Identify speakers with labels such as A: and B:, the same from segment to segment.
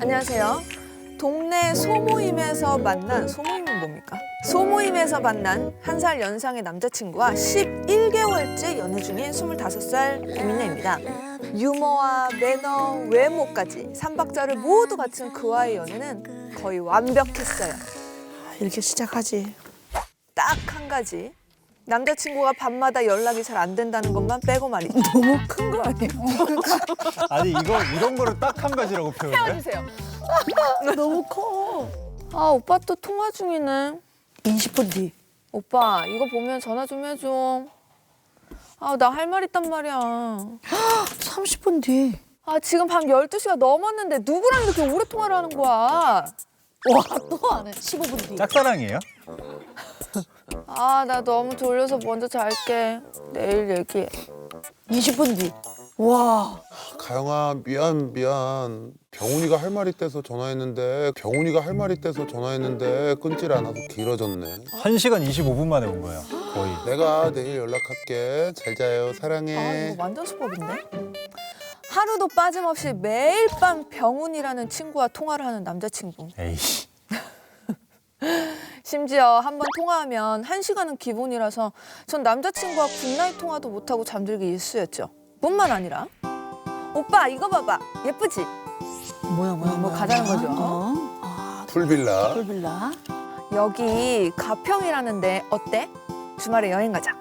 A: 안녕하세요. 동네 소모임에서 만난, 소모임은 뭡니까? 소모임에서 만난 1살 연상의 남자친구와 11개월째 연애 중인 25살 김민혜입니다. 유머와 매너, 외모까지 3박자를 모두 갖춘 그와의 연애는 거의 완벽했어요.
B: 이렇게 시작하지.
A: 딱 한 가지. 남자친구가 밤마다 연락이 잘 안 된다는 것만 빼고 말이죠.
B: 너무 큰 거 아니에요?
C: 아니 이런 거를 딱 한 가지라고 표현해?
A: 해주세요.
B: 너무 커.
A: 아, 오빠 또 통화 중이네.
B: 20분 뒤.
A: 오빠, 이거 보면 전화 좀 해줘. 아, 나 할 말 있단 말이야.
B: 30분 뒤.
A: 아, 지금 밤 12시가 넘었는데 누구랑 이렇게 오래 통화를 하는 거야?
B: 와, 또 안 해. 15분 뒤.
C: 짝사랑이에요?
A: 아, 나 너무 졸려서 먼저 잘게. 내일 얘기해.
B: 20분 뒤. 와.
D: 가영아 미안. 병훈이가 할 말이 있대서 전화했는데 끊질 않아서 길어졌네.
C: 1시간 25분 만에 온 거예요, 거의.
D: 내가 내일 연락할게. 잘 자요.
A: 아,
D: 사랑해.
A: 이거 완전 수법인데? 하루도 빠짐없이 매일 밤 병훈이라는 친구와 통화를 하는 남자친구.
C: 에이씨.
A: 심지어 한 번 통화하면 1시간은 기본이라서 전 남자친구와 굿나잇 통화도 못하고 잠들기 일쑤였죠. 뿐만 아니라 오빠 이거 봐봐. 예쁘지?
B: 뭐야.
A: 뭐 가자는 거죠.
B: 아,
D: 풀빌라.
B: 풀빌라.
A: 여기 가평이라는데 어때? 주말에 여행 가자.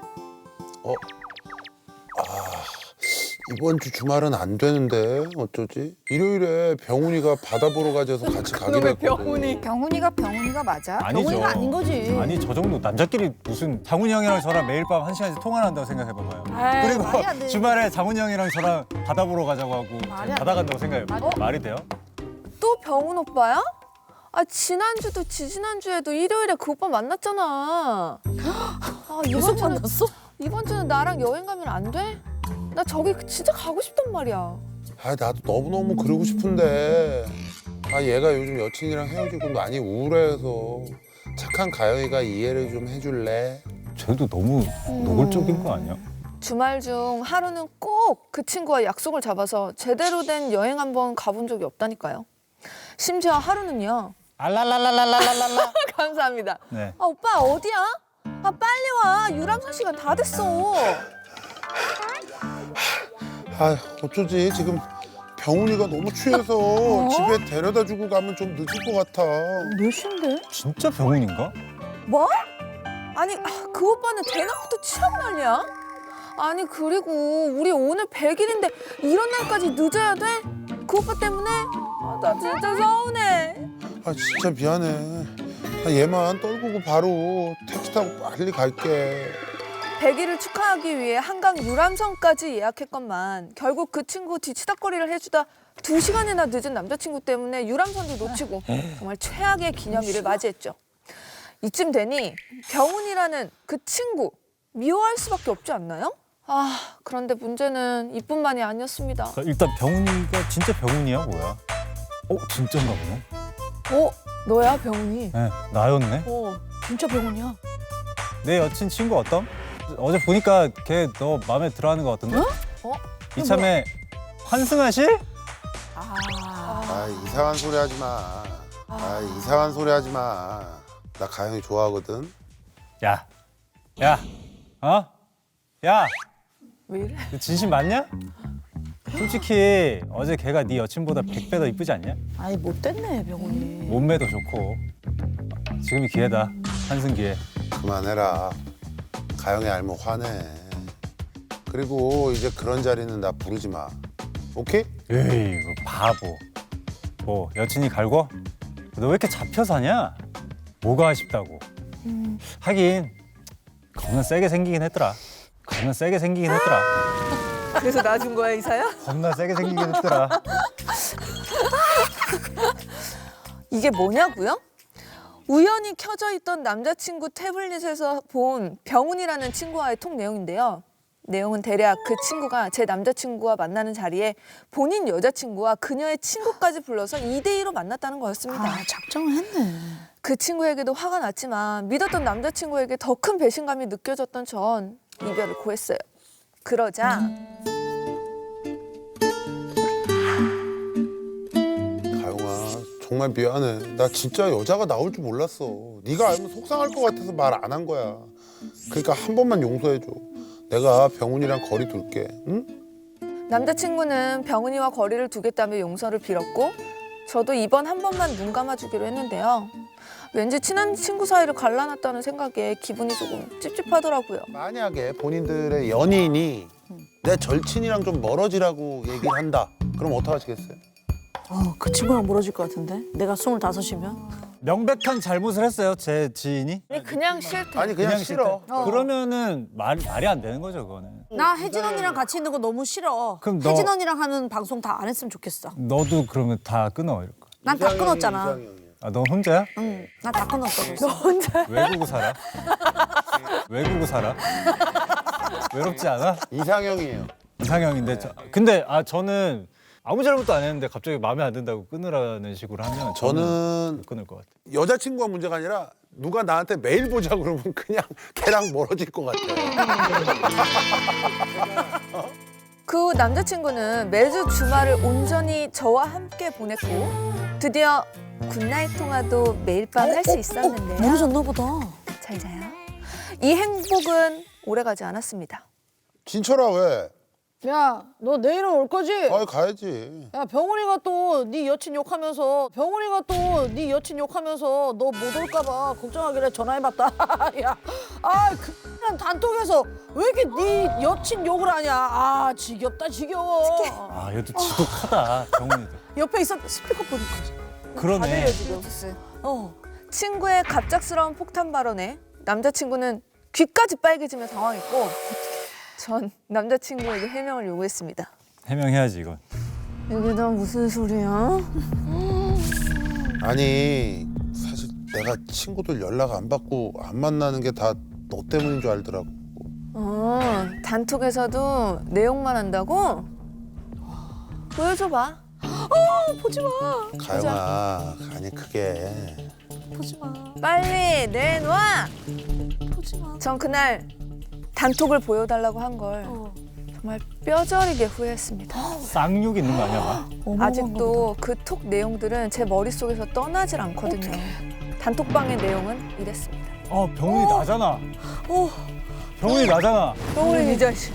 D: 이번 주 주말은 안 되는데 어쩌지? 일요일에 병훈이가 바다 보러 가자서 같이 가기로 했거든.
B: 병훈이가 맞아?
C: 아니죠.
B: 병훈이가 아닌 거지.
C: 아니 저 정도 남자끼리 무슨 장훈이 형이랑 저랑 매일 밤 1시간씩 통화를 한다고 생각해봐봐요.
B: 말이 안 돼.
C: 그리고 주말에 장훈이 형이랑 저랑 바다 보러 가자고 하고
B: 말이 안
C: 바다
B: 돼.
C: 간다고 생각해봐요. 말이 돼요?
A: 또 병훈 오빠야? 아 지난주도 지지난주에도 일요일에 그 오빠 만났잖아. 아
B: 계속 만났어?
A: 이번 주는 나랑 여행 가면 안 돼? 나 저기 진짜 가고 싶단 말이야.
D: 아 나도 너무너무 그러고 싶은데 얘가 요즘 여친이랑 헤어지고 많이 우울해서 착한 가영이가 이해를 좀 해줄래?
C: 쟤도 너무 노골적인 거 아니야?
A: 주말 중 하루는 꼭 그 친구와 약속을 잡아서 제대로 된 여행 한번 가본 적이 없다니까요. 심지어 하루는요.
C: 알랄랄랄랄랄랄라.
A: 감사합니다.
C: 네.
A: 아 오빠 어디야? 아 빨리 와. 유람선 시간 다 됐어.
D: 아 어쩌지 지금 병훈이가 너무 취해서 집에 데려다 주고 가면 좀 늦을 것 같아.
B: 몇 시인데?
C: 진짜 병훈인가?
A: 뭐? 아니 그 오빠는 대낮부터 취하고 난리야? 아니 그리고 우리 오늘 100일인데 이런 날까지 늦어야 돼? 그 오빠 때문에? 아, 나 진짜 서운해.
D: 아 진짜 미안해. 얘만 떨구고 바로 택시 타고 빨리 갈게.
A: 100일을 축하하기 위해 한강 유람선까지 예약했건만 결국 그 친구 뒤치다꺼리를 해주다 2시간이나 늦은 남자친구 때문에 유람선도 놓치고 정말 최악의 기념일을 맞이했죠. 이쯤 되니 병훈이라는 그 친구 미워할 수밖에 없지 않나요? 아 그런데 문제는 이뿐만이 아니었습니다.
C: 일단 병훈이가 진짜 병훈이야 뭐야? 진짜인가 보네.
A: 너야 병훈이?
C: 네, 나였네.
B: 진짜 병훈이야.
C: 내 여친 친구 어떤? 어제 보니까 걔 너 마음에 들어하는 거 같던데? 이참에 환승하실?
D: 이상한 소리 하지 마. 이상한 소리 하지 마. 나 가영이 좋아하거든.
C: 야,
A: 왜 이래?
C: 너 진심 맞냐? 솔직히 어제 걔가 네 여친보다 100배 더 이쁘지 않냐?
B: 아니 못됐네 병훈이.
C: 몸매도 좋고. 지금이 기회다. 환승 기회.
D: 그만해라. 가영이 알면 화내. 그리고 이제 그런 자리는 나 부르지 마. 오케이?
C: 에이, 그 바보. 뭐 여친이 갈고? 너 왜 이렇게 잡혀 사냐? 뭐가 아쉽다고. 하긴 겁나 세게 생기긴 했더라.
A: 그래서 나 준 거야 이사야?
C: 겁나 세게 생기긴 했더라.
A: 이게 뭐냐고요? 우연히 켜져 있던 남자친구 태블릿에서 본 병훈이라는 친구와의 통 내용인데요. 내용은 대략 그 친구가 제 남자친구와 만나는 자리에 본인 여자친구와 그녀의 친구까지 불러서 2대2로 만났다는 거였습니다.
B: 작정을 했네.
A: 그 친구에게도 화가 났지만 믿었던 남자친구에게 더 큰 배신감이 느껴졌던 전 이별을 고했어요. 그러자
D: 가영아 정말 미안해. 나 진짜 여자가 나올 줄 몰랐어. 네가 알면 속상할 것 같아서 말 안 한 거야. 그러니까 한 번만 용서해줘. 내가 병훈이랑 거리 둘게. 응?
A: 남자친구는 병은이와 거리를 두겠다며 용서를 빌었고 저도 이번 한 번만 눈 감아주기로 했는데요. 왠지 친한 친구 사이를 갈라놨다는 생각에 기분이 조금 찝찝하더라고요.
D: 만약에 본인들의 연인이 내 절친이랑 좀 멀어지라고 얘기를 한다. 그럼 어떡하시겠어요?
B: 그 친구랑 멀어질 것 같은데? 내가 25이면?
C: 명백한 잘못을 했어요, 제 지인이.
A: 아니 그냥 싫대.
D: 아니 그냥 싫어.
C: 그러면은 말이 안 되는 거죠, 그거는.
B: 나 혜진 언니랑 같이 있는 거 너무 싫어.
C: 그럼 너-
B: 혜진 언니랑 하는 방송 다 안 했으면 좋겠어.
C: 너도 그러면 다 끊어 이럴 거.
B: 난 다 끊었잖아.
D: 이상형이야.
C: 아, 너 혼자야?
B: 응, 나 다 끊었어. 벌써.
C: 외국어 살아? 외국어 살아? 외롭지 않아?
D: 이상형이에요.
C: 이상형인데 근데 저는 아무 잘못도 안 했는데 갑자기 마음에 안 든다고 끊으라는 식으로 하면
D: 저는
C: 못 끊을 것 같아요.
D: 여자친구가 문제가 아니라 누가 나한테 매일 보자 그러면 그냥 걔랑 멀어질 것 같아.
A: 그 남자친구는 매주 주말을 온전히 저와 함께 보냈고 드디어 굿나잇 통화도 매일 밤 할 수 있었는데요.
B: 모르셨나 보다.
A: 잘 자요. 이 행복은 오래가지 않았습니다.
D: 진철아 왜?
B: 야, 너 내일은 올 거지?
D: 아 가야지.
B: 야, 병훈이가 또 네 여친 욕하면서 너 못 올까 봐 걱정하길래 전화해봤다. 야, 그냥 단톡에서 왜 이렇게 네 여친 욕을 하냐. 지겹다 지겨워.
C: 아 얘도 지독하다 정훈이도.
B: 옆에 있었 스피커폰이
C: 그러네.
A: 친구의 갑작스러운 폭탄 발언에 남자친구는 귀까지 빨개지며 당황했고 전 남자친구에게 해명을 요구했습니다.
C: 해명해야지 이건.
A: 이게 다 무슨 소리야?
D: 아니 사실 내가 친구들 연락 안 받고 안 만나는 게 다 너 때문인 줄 알더라고.
A: 단톡에서도 내용만 한다고? 보여줘봐. 보지 마.
D: 가영아 아니 그게
B: 보지 마.
A: 빨리 내놔.
B: 보지 마.
A: 전 그날 단톡을 보여달라고 한 걸 정말 뼈저리게 후회했습니다.
C: 쌍욕 있는 거 아니야? 막?
A: 아직도 그 톡 내용들은 제 머릿속에서 떠나질 않거든요. 단톡방의 내용은 이랬습니다.
C: 병훈이 나잖아. 병훈이 나잖아.
A: 병훈이 이 자식.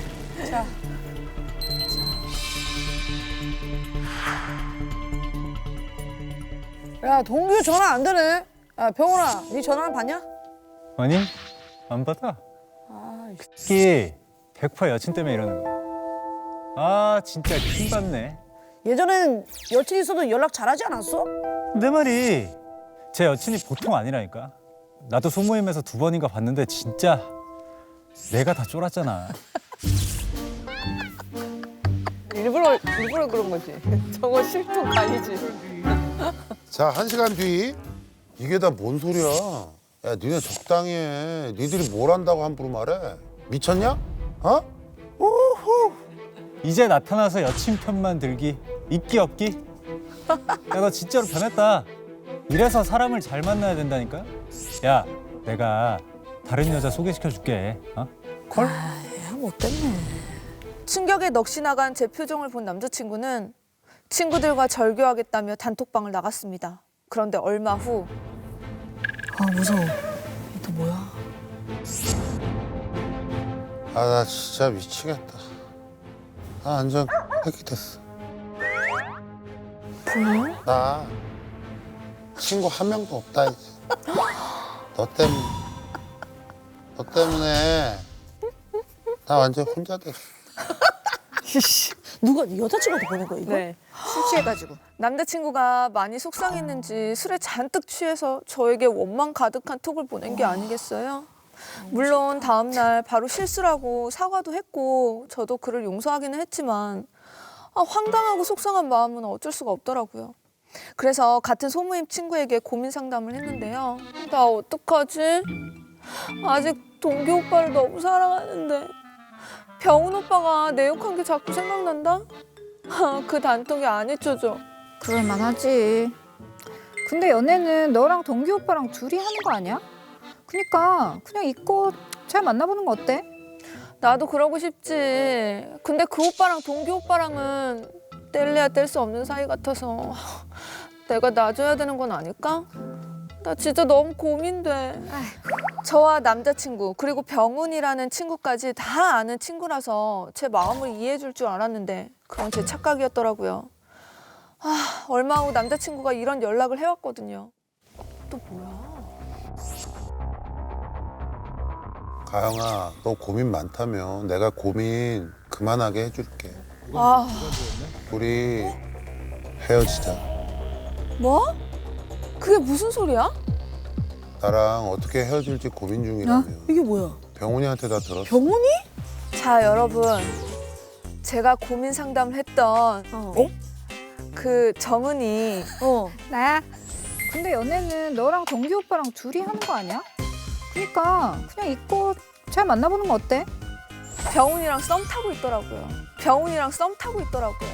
B: 야, 동규 전화 안 되네. 야, 병훈아, 네 전화는 받냐?
C: 아니 안 받아. 특히 100% 여친 때문에 이러는 거야. 진짜 킹 받네.
B: 예전엔 여친 있어도 연락 잘하지 않았어?
C: 내 말이 제 여친이 보통 아니라니까. 나도 소모임에서 2번인가 봤는데 진짜 내가 다 쫄았잖아.
A: 일부러 그런 거지. 저거 실토 아니지.
D: 자 1시간 뒤 이게 다 뭔 소리야? 야 니네 적당히 해. 니들이 뭘 한다고 함부로 말해? 미쳤냐? 어?
C: 이제 나타나서 여친 편만 들기 있기 없기. 야 너 진짜로 변했다. 이래서 사람을 잘 만나야 된다니까. 야 내가 다른 여자 소개시켜 줄게. 콜?
B: 야, 못됐네.
A: 충격에 넋이 나간 제 표정을 본 남자친구는 친구들과 절교하겠다며 단톡방을 나갔습니다. 그런데 얼마 후
B: 무서워. 또 뭐야?
D: 아 나 진짜 미치겠다. 완전 획기됐어.
A: 뭐야?
D: 나 친구 한 명도 없다 이제. 너 때문에 나 완전 혼자 됐어.
B: 누가 여자친구한테 보낸 거야 이거?
A: 네. 술 취해가지고. 남자친구가 많이 속상했는지 술에 잔뜩 취해서 저에게 원망 가득한 톡을 보낸 게 아니겠어요? 물론 다음 날 바로 실수라고 사과도 했고 저도 그를 용서하기는 했지만 황당하고 속상한 마음은 어쩔 수가 없더라고요. 그래서 같은 소모임 친구에게 고민 상담을 했는데요. 나 어떡하지? 아직 동기 오빠를 너무 사랑하는데 병훈 오빠가 내 욕한 게 자꾸 생각난다? 그 단톡이 안 잊혀져.
E: 그럴만하지. 근데 연애는 너랑 동기 오빠랑 둘이 하는 거 아니야? 그니까 그냥 잊고 잘 만나보는 거 어때?
A: 나도 그러고 싶지. 근데 그 오빠랑 동기 오빠랑은 뗄래야 뗄 수 없는 사이 같아서 내가 놔줘야 되는 건 아닐까? 나 진짜 너무 고민돼. 저와 남자친구 그리고 병훈이라는 친구까지 다 아는 친구라서 제 마음을 이해해줄 줄 알았는데 그건 제 착각이었더라고요. 얼마 후 남자친구가 이런 연락을 해왔거든요. 또 뭐야?
D: 가영아, 너 고민 많다며. 내가 고민 그만하게 해줄게. 우리 헤어지자.
A: 뭐? 그게 무슨 소리야?
D: 나랑 어떻게 헤어질지 고민 중이라며.
B: 이게 뭐야?
D: 병훈이한테 다 들었어.
B: 병훈이?
A: 자, 여러분. 제가 고민 상담을 했던 그 정은이
E: 나야. 근데 연애는 너랑 동기 오빠랑 둘이 하는 거 아니야? 그러니까 그냥 잊고 잘 만나보는 거 어때?
A: 병훈이랑 썸 타고 있더라고요. 병훈이랑 썸 타고 있더라고요.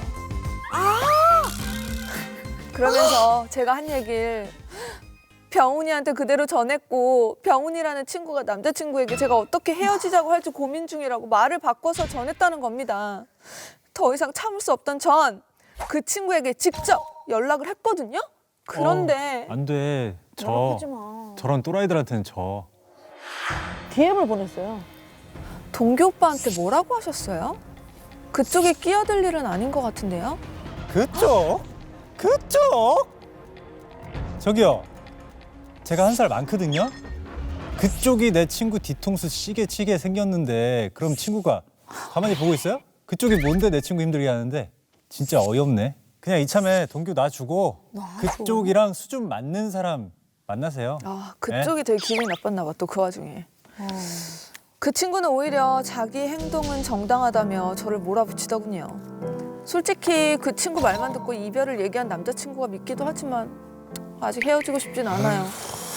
A: 그러면서 제가 한 얘기를 병훈이한테 그대로 전했고 병훈이라는 친구가 남자친구에게 제가 어떻게 헤어지자고 할지 고민 중이라고 말을 바꿔서 전했다는 겁니다. 더 이상 참을 수 없던 전 그 친구에게 직접 연락을 했거든요. 그런데
C: 안 돼.
B: 연락하지 마.
C: 저런 또라이들한테는
B: DM을 보냈어요.
A: 동기 오빠한테 뭐라고 하셨어요? 그쪽에 끼어들 일은 아닌 것 같은데요?
C: 그쪽? 저기요. 제가 한 살 많거든요. 그쪽이 내 친구 뒤통수 시계 치게 생겼는데 그럼 친구가 가만히 보고 있어요? 그쪽이 뭔데 내 친구 힘들게 하는데? 진짜 어이없네. 그냥 이참에 동규 놔주고 그쪽이랑 수준 맞는 사람 만나세요.
A: 그쪽이 되게 기분이 나빴나 봐, 또 그 와중에. 그 친구는 오히려 자기 행동은 정당하다며 저를 몰아붙이더군요. 솔직히 그 친구 말만 듣고 이별을 얘기한 남자친구가 믿기도 하지만 아직 헤어지고 싶진 않아요.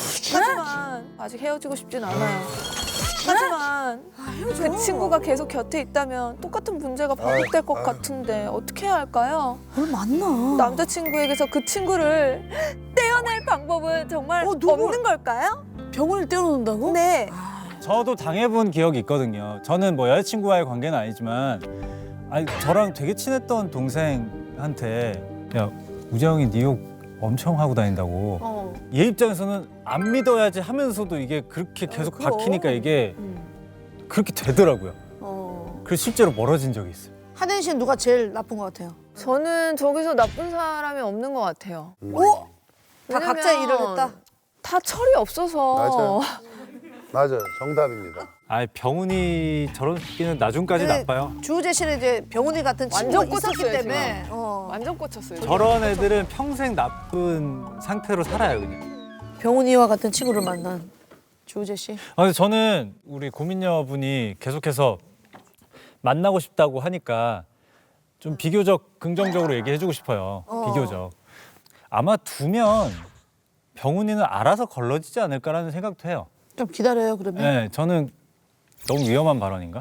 A: 하지만 그 친구가 계속 곁에 있다면 똑같은 문제가 반복될 것 같은데 어떻게 해야 할까요?
B: 뭘 만나?
A: 남자친구에게서 그 친구를 떼어낼 방법은 정말
B: 누구?
A: 없는 걸까요?
B: 병원을 떼어놓는다고?
A: 네.
C: 저도 당해본 기억이 있거든요. 저는 뭐 여자친구와의 관계는 아니지만 저랑 되게 친했던 동생한테 야, 우재형이 네 욕 엄청 하고 다닌다고. 얘 입장에서는 안 믿어야지 하면서도 이게 그렇게 계속
B: 그럼.
C: 박히니까 이게 그렇게 되더라고요. 그래서 실제로 멀어진 적이 있어요.
B: 하든 씨는 누가 제일 나쁜 것 같아요?
A: 저는 저기서 나쁜 사람이 없는 것 같아요.
B: 다 각자
A: 왜냐면
B: 일을 했다?
A: 다 철이 없어서.
D: 맞아요. 정답입니다.
C: 병훈이 저런 새끼는 나중까지
B: 근데
C: 나빠요.
B: 주우재 씨는 이제 병훈이 같은 친구가
A: 완전
B: 있었기
A: 꽂혔어요,
B: 때문에
A: 완전 꽂혔어요.
C: 저런 애들은 평생 나쁜 상태로 살아요, 그냥.
B: 병훈이와 같은 친구를 만난 주우재 씨.
C: 근데 저는 우리 고민녀분이 계속해서 만나고 싶다고 하니까 좀 비교적 긍정적으로 얘기해주고 싶어요. 비교적. 아마 두면 병훈이는 알아서 걸러지지 않을까라는 생각도 해요.
B: 좀 기다려요 그러면.
C: 네, 저는 너무 위험한 발언인가?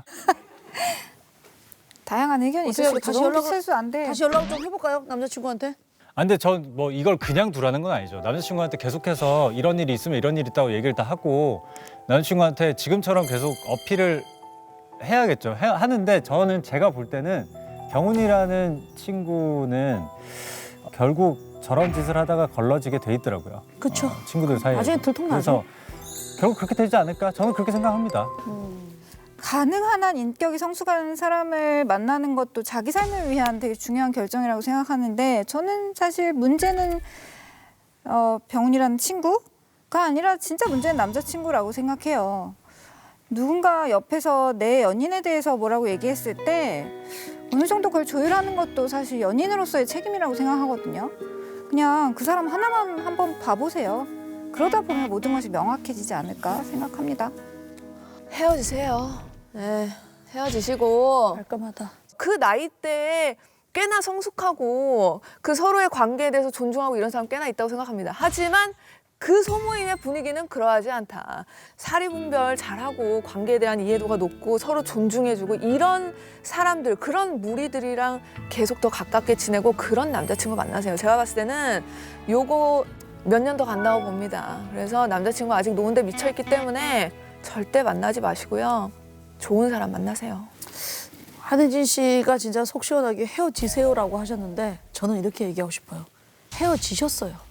E: 다양한 의견이
B: 어떻게
E: 있을 수
B: 다시
E: 있고
B: 연락을-
E: 실수 안 돼.
B: 다시 연락 좀 해볼까요 남자친구한테?
C: 근데 전 뭐 이걸 그냥 두라는 건 아니죠. 남자친구한테 계속해서 이런 일이 있으면 이런 일이 있다고 얘기를 다 하고 남자친구한테 지금처럼 계속 어필을 해야겠죠. 하는데 저는 제가 볼 때는 병훈이라는 친구는 결국 저런 짓을 하다가 걸러지게 돼 있더라고요.
B: 그쵸.
C: 친구들 사이에.
B: 나중에 들통나죠.
C: 그래서 결국 그렇게 되지 않을까? 저는 그렇게 생각합니다.
E: 가능한 한 인격이 성숙한 사람을 만나는 것도 자기 삶을 위한 되게 중요한 결정이라고 생각하는데 저는 사실 문제는 병훈이라는 친구가 아니라 진짜 문제는 남자친구라고 생각해요. 누군가 옆에서 내 연인에 대해서 뭐라고 얘기했을 때 어느 정도 그걸 조율하는 것도 사실 연인으로서의 책임이라고 생각하거든요. 그냥 그 사람 하나만 한번 봐보세요. 그러다 보면 모든 것이 명확해지지 않을까 생각합니다.
A: 헤어지세요. 네, 헤어지시고
B: 깔끔하다.
A: 그 나이 때에 꽤나 성숙하고 그 서로의 관계에 대해서 존중하고 이런 사람 꽤나 있다고 생각합니다. 하지만 그 소모임의 분위기는 그러하지 않다. 사리분별 잘하고 관계에 대한 이해도가 높고 서로 존중해주고 이런 사람들, 그런 무리들이랑 계속 더 가깝게 지내고 그런 남자친구 만나세요. 제가 봤을 때는 요거 몇 년 더 간다고 봅니다. 그래서 남자친구 아직 노는데 미쳐있기 때문에 절대 만나지 마시고요. 좋은 사람 만나세요.
B: 한혜진 씨가 진짜 속 시원하게 헤어지세요라고 하셨는데 저는 이렇게 얘기하고 싶어요. 헤어지셨어요.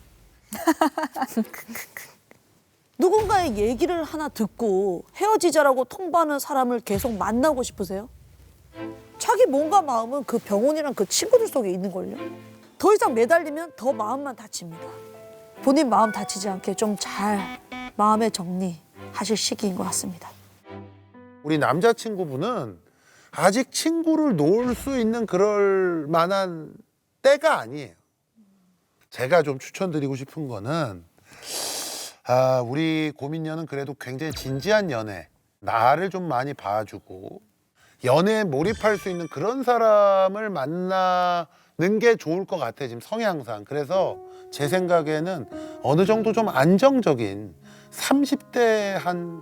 B: 누군가의 얘기를 하나 듣고 헤어지자라고 통보하는 사람을 계속 만나고 싶으세요? 자기 몸과 마음은 그 병원이랑 그 친구들 속에 있는걸요. 더 이상 매달리면 더 마음만 다칩니다. 본인 마음 다치지 않게 좀 잘 마음의 정리하실 시기인 것 같습니다.
D: 우리 남자친구분은 아직 친구를 놓을 수 있는 그럴 만한 때가 아니에요. 제가 좀 추천드리고 싶은 거는 우리 고민녀는 그래도 굉장히 진지한 연애, 나를 좀 많이 봐주고 연애에 몰입할 수 있는 그런 사람을 만나는 게 좋을 것 같아요. 지금 성향상. 그래서 제 생각에는 어느 정도 좀 안정적인 30대 한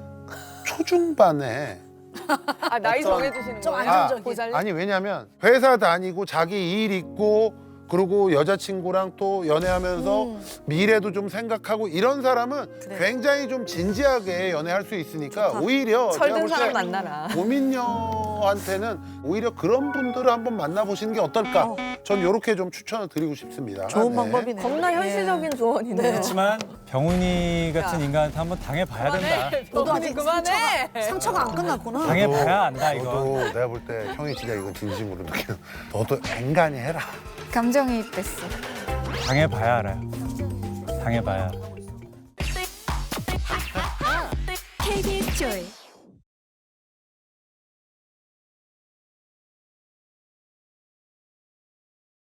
D: 초중반에
A: 아, 나이 정해주시는
B: 좀
A: 거예요?
B: 안정적인.
A: 보살님?
D: 아니 왜냐면 회사 다니고 자기 일 있고 그리고 여자친구랑 또 연애하면서 미래도 좀 생각하고 이런 사람은
B: 그래.
D: 굉장히 좀 진지하게 연애할 수 있으니까
B: 좋다.
D: 오히려 제가
A: 철든
D: 볼 때
A: 사람 만나라.
D: 고민녀한테는 오히려 그런 분들을 한번 만나보시는 게 어떨까? 전 이렇게 좀 추천을 드리고 싶습니다.
B: 좋은
D: 네.
B: 방법이네요.
A: 겁나 현실적인 조언이네요.
B: 네.
C: 그렇지만 병훈이 같은 인간한테 한번 당해봐야 된다.
B: 너도
A: 병훈이
B: 아직
A: 그만해.
B: 상처가 안 끝났구나.
C: 당해봐야 안다 이거.
D: 너도 내가 볼 때 형이 진짜 이건 진심으로 느끼는 너도 앵간히 해라.
E: 감정이입됐어.
C: 당해봐야 알아요. 당해봐야.
F: KBS 조이